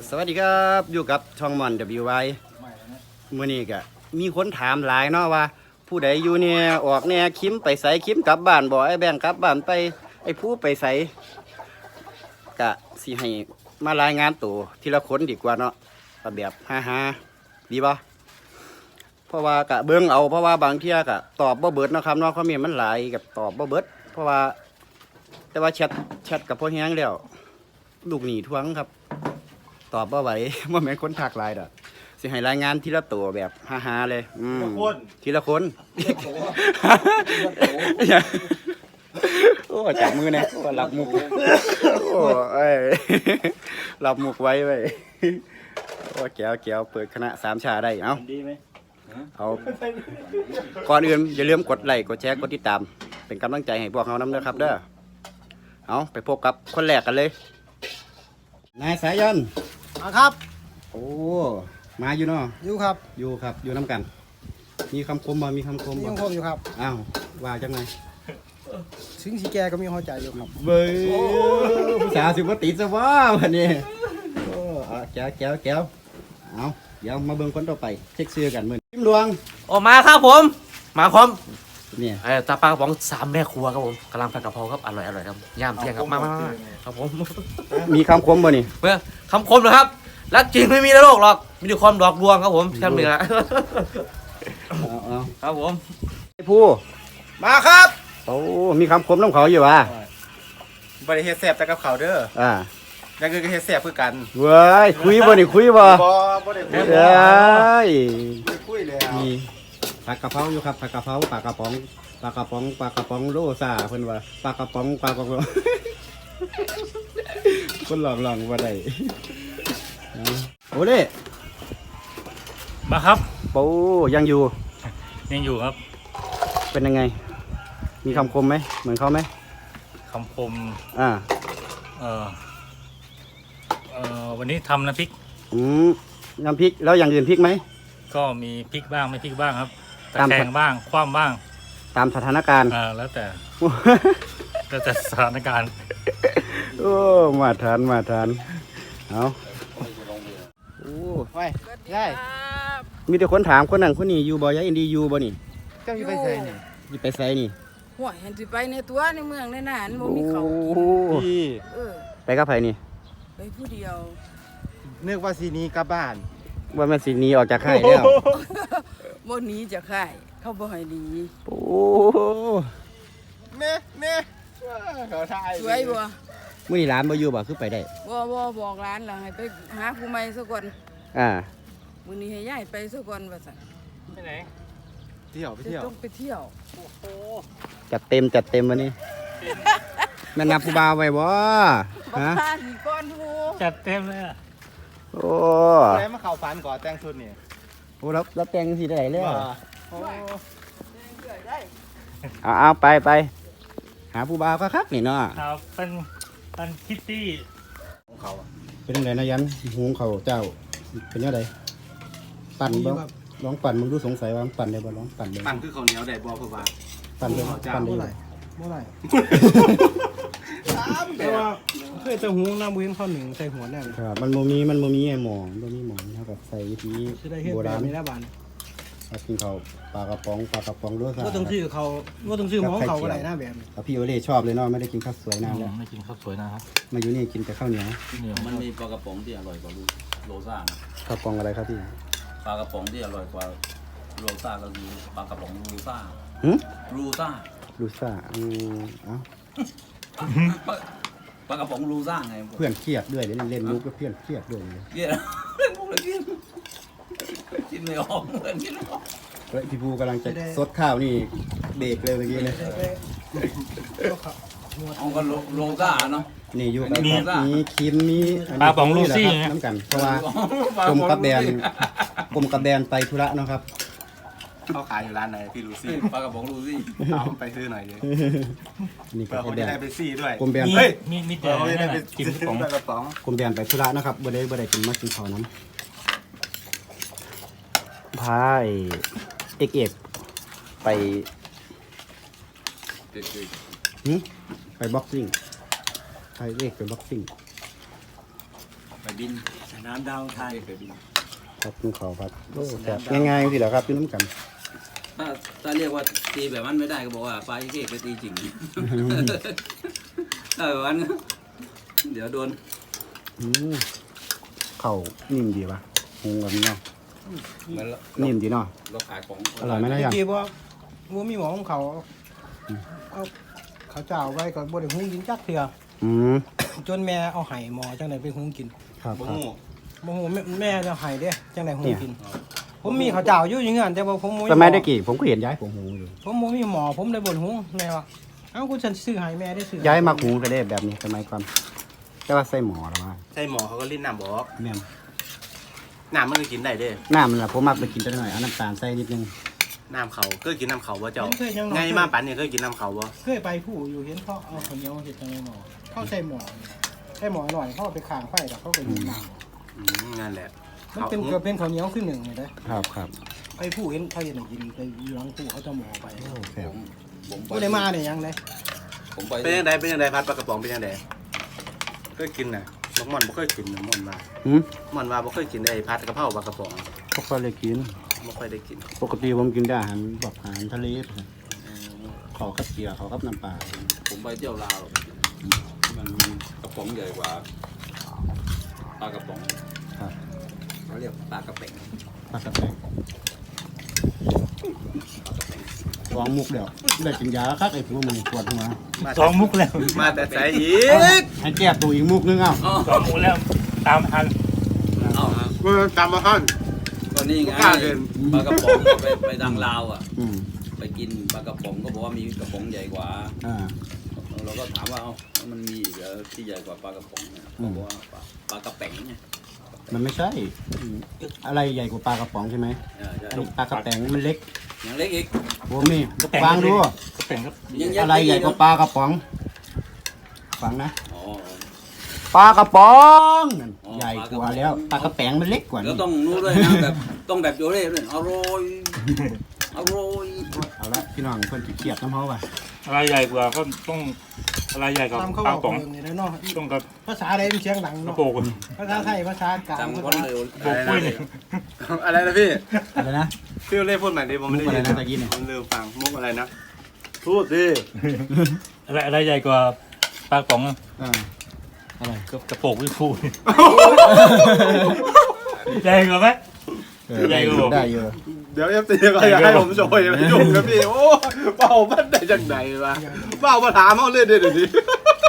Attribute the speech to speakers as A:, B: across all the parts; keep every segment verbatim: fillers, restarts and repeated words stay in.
A: สวัสดีครับอยู่กับช่องมอน ดับเบิลยู ไอ มื้อนี้ก็มีคนถามหลายเนาะว่า ผู้ใดอยู่เนี่ยออกเนี่ยคิมไปใส่คิมกลับบ้านบ่ไอ้แบงค์กลับบ้านไปไอ้ผู้ไปใส่ก็สิให้มารายงานตัวทีละคนดีกว่าเนาะแบบฮ่าๆดีบ่เพราะว่าก็เบิ่งเอาเพราะว่าบางเที่ยก็ตอบบ่เบิดเนาะครับเนาะคอมเมนต์มันหลายกับตอบบ่เบิดเพราะว่าแต่ว่าแชทแชทกับพ่อแฮงแล้วลูกหนีทวงครับตอบบ่ไหวบ่แม่นคนทักหลายดอกสิให้รายงานทีละตัวแบบฮ่าๆเลยอืมทีละคนโอ้จับมือเนี่ยโอ้หลับมุกโอ้เอ้ยหลับมุกไว้ไว้โอ้แก้วแก้วเปิดคณะสามชาได้เอ้าดีไหมเอาก่อนอื่นอย่าลืมกดไลค์กดแชร์กดติดตามเป็นกำลังใจให้พวกเรานำเด้อครับเด้อเอาไปพบกับคนแรกกันเลยนายสายัน
B: มาครับ
A: โอ้มาอยู่เนาะ
B: อยู่ครับ
A: อยู่ครับอยู่น้ำกันมีคำคมบ่มีคำคมบ่
B: มีคำคมอยู่ครับ
A: อ้าวว่าจังไง
B: ถึงสีแกก็มีหัวใจอยู่ครับ
A: เบ้ยผู้สาวสิบ่ติดซะว่าวันนี้โอ้แก้วแก้วแก้วเอาเดี๋ยวมาเบิ่งคนต่อไปเช็คชื่อกันมื้อทิมหลวง
C: ออกมาครับผมมาพร้อม
A: เนี่ย
C: ไอ้ตาปลากระป๋องสามแม่ครัวครับผมกำลังผัดกะเพราครับอร่อยอร่อยครับย่ามเที่ยงครับมามาครับผม
A: มีคำคมบ่นี่
C: เมื่อคำคมนะครับรักจริงไม่มีในโลกหรอกมีแต่ความหลอกลวงครับผมแค่นี้แหละครับผม
A: ไอ้ผู้
B: มาครับ
A: โอ้มีคำคมน้ำเขาอยู่ว่ะ
B: บริเฮ็ดแซ่บแต่กับเขาเด้อ
A: อ่า
B: ยังคือเฮ็ดแซ่บคือกัน
A: เว้ยคุยบ่นี่คุยบ่
B: บ่บ่ได้คุย
A: เอ้ย
B: คุยแล้ว
A: มีผักกะเพราอยู่ครับผักกะเพราปลากระป๋องปลากระป๋องปลากระป๋องโลซ่าเพิ่นว่าปลากระป๋องปลากระป๋องคนหลอกหลอกบ่ได้โอ้เล่
D: มาครับ
A: ปูยังอยู่
D: ยังอยู่ครับ
A: เป็นยังไงมีคำคมไหมเหมือนเขาไหม
D: คำคม
A: อ่า
D: เออเออวันนี้ทำน้ำพริก
A: อืมน้ำพริกแล้วอย่างอื่นพริกไหม
D: ก็มีพริกบ้างไม่พริกบ้างครับตะแคงบ้างคว่ำบ้าง
A: ตามสถานการณ์
D: อ่าแล้วแต่แล้วแต่สถานการณ์
A: โอ้มาทานมาทานเอา
B: โอ้ไปได้
A: มีแต่คนถามคนนั้นคนนี้อยู่บ่ยายอินดีอยู่บ่นี่
B: เจ้าอยู่ไปใส่นี่
A: อยู่ไปใส่นี่
E: หัวเห็นสิไปในตัวในเมืองในน่านบ่มีเขา
A: กินเออไปกับไผนี่
E: ไปผู้เดียว
B: นึกว่าสีนี้กลับบ้าน
A: ว่าแม่นสิหนีออกจากค่ายแล้ว
E: บ่หนีจากค่ายเขาบ่ให้หนี
A: โอ้
B: เน่เน่เขาทาย
E: สวยบ่
A: มื้อนี้ร้านบ่อยู่บ่คือไปได้
E: บ่บ่บอกร้านล่ะให้ไปหาผู้ใหม่ซะก่อน
A: อ่า
E: มื้อนี้ให้ย้ายไปซะก่อนว่าซั่น
D: ไปไหน
B: เที่ยวไปเที่ยว
E: ต้องไปเที่ยว
D: โอ้โห
A: จัดเต็มจัดเต็มวันนี้แม่นับผู้บ่าวไว้บ่
E: ฮะนี่ก้อนผู้
D: จัดเต็มเลย
A: โอ้
B: แล้วมาเข้าฝันก่อนแต่งชุดนี่
A: โอ้แล้วแล้วแต่งสิได้เลย
B: โอ้
A: เอาเอาไปไปหาผู้บ่าวคักๆนี่เนาะ
D: ครับเป็นเป็นคิตตี้
B: ของเขา
A: เป็นจังได๋นะยันหุงเขาเจ้าเป็นจังได๋ปั่นบ่ลองปั่นมึงดูสงสัยว่าปั่นได้บ่ลองปั่นได้
B: ปั่นคือข้าวเหนียวได้บ่พ่อว่า
A: ปั่นได้ปั่นได้บ่
B: บ่ได้แต่ว่าเคยจะหุงน้ำบ่เห็นข้าวหนึ่งใส่หัวแน่
A: ครับมันบ่มีมันบ่มีไอ้หมองบ่มีหมองเท่ากับใส่วิธีโบราณ
B: นี่นะบ้าน
A: เอากินข้าวปลากระป๋องปลากระป๋องด้วยซะ
B: บ่ต้องซื้อเขาบ่ต้องซื้อหม้อเขาก็ได้นะแบบ
A: นี้พี่โอเล่ชอบเลยเนาะไม่ได้กินข้าวสวยนานแล้ว
D: ไม่กินข้าวสวยนะครับ
A: มาอยู่นี่กินแต่ข้าวเหนียว
F: มันมีปลากระป๋องที่อร่อยกว่าโรซ่านะ
A: กระป๋องอะไรครับพี่
F: ปลากระป๋องที่อร่อยกว่าโรซ่าก็คือปลากระป๋องรูซ่ารูซ่า
A: รูซ่าอืมเอ้า
F: ปลากระป๋องรูซ่าไง
A: เพื่อนเครียดด้วยเล่นเล่นมุกก็เพื่อนเครียดด้วย
F: เครียดเล่นมุกเลยกินกินไม่ออกเพื่อนกินไม่ออก
A: เฮ้ยพี่ภูกำลังจะซดข้าวนี่เบรกเลยเมื่อกี้เลย
F: เอาก็โรซ่าเนาะ
A: นี่อยู่กับมีคิมมี
D: ปลาป๋องลูซี่
A: น้ำกันเพราะว่ากรมกับแบนกรมกับแบนไปธุระเนาะครับ
B: เขาขายอยู่ร้านไหนพี่ลูซี่
F: ปลากระป๋องลูซี่
B: เอาไปซื้อหน่อยเลย
A: นี่ก็
B: แบนไปซี่ด้วย
A: กรมแบน
D: เฮ้ยมีมีแต่
B: กินของกระป๋อง
A: กรมแบนไปธุระนะครับบ่ได้บ่ได้กินมากินข้าวน้ำพายเอกเอกไปไปบ็อกซิ่งไปเอกไปบ็อกซิ่ง
F: ไปบิน
A: ไป
B: น้ำดาวไทย
A: ครับคุณขอครับโอ้แซ่บง่ายๆสิเหรอครับพี่น้ำกัน
F: ถ้าถ้าเรียกว่าตีแบบนั้นไม่ได้ก็บอกว่าปลาอีเก้ไปตีจริงถ้าแบบนั้นเดี๋ยวโดน
A: อืมเข่านิ่มดีปะหุงแบบนี้เนาะ
F: เหมือน
A: นิ่มดีเนาะ
F: เราขายของ
A: อร่อยไหมนะยัง
B: กี่บ่บ่มีหมอของเขาเอาเขาเจ้าไว้ก็บ่ได้หุงกินจักเทื่อ
A: อืม
B: จนแม่เอาไห้หมอจังได๋ไปหุงกิน
A: ครับ
F: บ่
A: ครับ
F: ฮู้
B: บ่ฮู้แม่แม่จะไห้เด้จังได๋หุงกิน ผมมีข้าวเจ้าอยู่อย่างงั้นแต่ว่าผมบ่มี
A: สมัยได้กี่ผมก็เห็นย้ายผมหุงอยู่
B: ผมบ่มีหมอผมได้บ่นหุงแม่ว่าเอ้ากูฉันซื้อให้แม่ได้ซื้อ
A: ย้ายมาหุงก็ได้แบบนี้สมัยก่อนแต่ว่าใส่หมอหรือว่า
G: ใช่หมอเขาก็ลิ้นน้ำบอก
A: แม่น
G: น้ำมันก็กินได้เด้
A: น้ำมันละผมมักไปกินจังหน่อยเอาน้ำตาลใส่นิดนึง
G: น้ำเขาเคยกินน้ำเขาบ่เจ้า
B: ผมเคยยังน้อย
G: ไงมาปันเนี่ยเคยกินน้ำเขาบ่
B: เคยไปผู้อยู่เห็นเขาเอาข้าวเหนียวเฮ็ดจังได๋หมอเขาใส่หมอใส่หมอหน่อยเขาเอาไปข้างไฟแล้วเขาก็ยิงน้ำ
G: อืมนั่นแหละ
B: มันเป็นเกือบเป็นข้าวเหนียวคือหนึ่งเลยนะครับ
A: ครับ
B: ไปผู้เห็นเขาเห็นกินไปอยู่หลังผู้เขาจะหมอไป
A: โอ้แซ่บ
F: ผมผมไป
B: ผู้ได้มาเนี่ยยังเลย
F: ผมไป
G: เป็นยังไงเป็นยังไงพัดปลากระป๋องเป็นยังไงเคยกินน่ะน้องม่อนบ่เคยกินน้องม่อนมา
A: หืม
G: ม่อนว่าบ่เคยกินไอ้พัดกระเพราปลากระป๋อง
A: พวกเขาเลยกิน
G: บ่ค่อยได้กิน
A: ปกติผมกินแต่อาหารแบบอาหารทะเลขอกับเกี๊ยวขอกับน้ำปลา
F: ผมไปเที่ยวลาวมันกระป๋องใหญ่กว่าปลากระป๋อง
A: ครับ
F: เขาเรียกปลากระเป๋ง
A: ปลากระแปงสองมุกเดียวได้กินยาแล้วครับไอ้พวกมันปวดหัว
D: สองมุกแล้ว
G: มาแต่สายอีก
A: ให้แก้ตัวอีกมุกนึงเอ้า
D: สองมุกแล้วตามทัน
F: เอ้า
G: กูตามมาฮั่น
F: ก็นี่ไง
G: กล้าเดิน
F: ปลากระป๋องก็ไปไปทางลาวอ่ะ
A: อืม
F: ไปกินปลากระป๋องก็บอกว่ามีกระป๋องใหญ่กว่า
A: อ่า
F: เราก็ถามว่าเอ้าแล้วมันมีอีกเหรอที่ใหญ่กว่าปลากระป๋องเนี่ย
A: อืม
F: เขาบอกว่าปลาปลากระเป๋งเนี่ย
A: มันไม่ใช่อืมอะไรใหญ่กว่าปลากระป๋องใช่ไหม
F: เออใช่
A: อันนี้ปลากระแปงมันเล็ก
F: อย่างเล็กอีก
A: ผมนี่ฟังดู
D: ก็เป็นครับ
F: ยัง
A: อะไรใหญ่กว่าปลากระป๋องฟังนะ
F: อ๋อ
A: ปลากระป๋อง
F: อ๋อ
A: ใหญ่กว่าแล้วปลากระแปงมันเล็กกว่า
F: แล้ว
A: นี่
F: ต้องรู้ด้วยนะแบบต้องแบบโยเร่ด้วยอร่อยอร่อย
A: เอาละพี่น้องคนขี้เกียจน้ำเขาป่ะ
D: อะไรใหญ่กว่าก็ต้องอะไรใหญ่กว่า
B: ตามเขา
D: ปลา
B: บอก
D: ป๋อง
B: เลยนะเนาะ
D: ต้องกับ
B: ภาษาอะไรมันเสียงดัง
D: กระ
B: เนาะ
D: โปง
B: ภาษาไทยภาษากลาง
F: จำคน
B: ภาษา
F: เร็ว
D: โบกปุ้ยนี่
G: อะไรนะพี่
A: อะไรนะ
G: พี่เล่พูดใหม่ดิผมไม่ได้
A: มุกอะไร
G: ยิน
A: นะตะกี้เนี่ย
G: ผมลืมฟังมุกอะไรนะพูดดิ
D: อะไรอะไรใหญ่กว่าปลาป๋อง
A: อ่าอะไร
D: กับกระโปงวิพูใหญ่กว่าไหม
A: เออ
D: ใหญ่กว่าผม
A: ได้เยอะ
G: เดี๋ยวเอฟซีก็อยากให้ผมโชว์อย่าไปยุ่งนะพี่โอ้เป่ามันได้จังไหนวะเป่ามาถามเขาเล่นเดี๋ยวนี้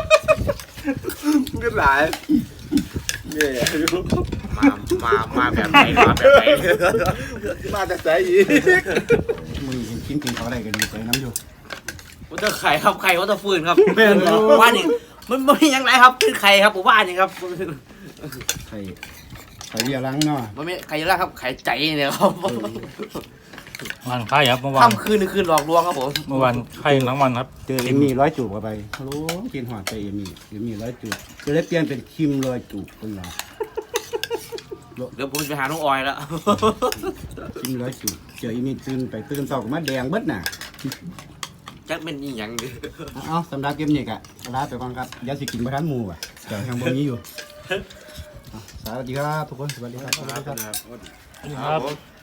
G: ก็หลายเย่
C: มามามาแบบไหนมาแบบไหน
G: มาแต่สายอีก
A: มึงเห็นกินกินเขาอะไรกันดีใจน้ำอยู่
C: ว่าจะไข่ครับไข่ว่าจะฟืนครับว่านี่มันมันยังไงครับคือไข่ครับผมว่านี่ครับ
A: ไข่ไข่เรียรังเนาะ
C: มันไม่ไข่เยอะแล้วครับไข่ใจเนี่ยครับ
D: วันไข่ครับเมื่อวาน
C: ค่ำคืนคืนหลอกลวงครับผม
D: เมื่อวานไข่ทั้งวันครับ
A: เจอเอ็มมี่ร้อยจูบเข้าไปฮัลโหลกินหอดไปเอ็มมี่เอ็มมี่ร้อยจูบจะได้เปลี่ยนเป็นคิมร้อยจูบเป็นไง
C: เดี๋ยวผมจะไปหาน้องออยแล้ว
A: คิมร้อยจูบเจอเอ็มมี่ตื่นไปตื่นเช้าก็มาแดงเบิดน่ะ
C: จักเป็นอีหยังดิ
A: เอาเอาสำหรับเกมนี้กะลาไปก่อนครับอย่าสิกินประทันหมูอ่ะเดี๋ยวยังบ่มีอยู่เอาสวัสดีครับทุกคนสวัสดีครับสวัสดีครับ
D: ครับ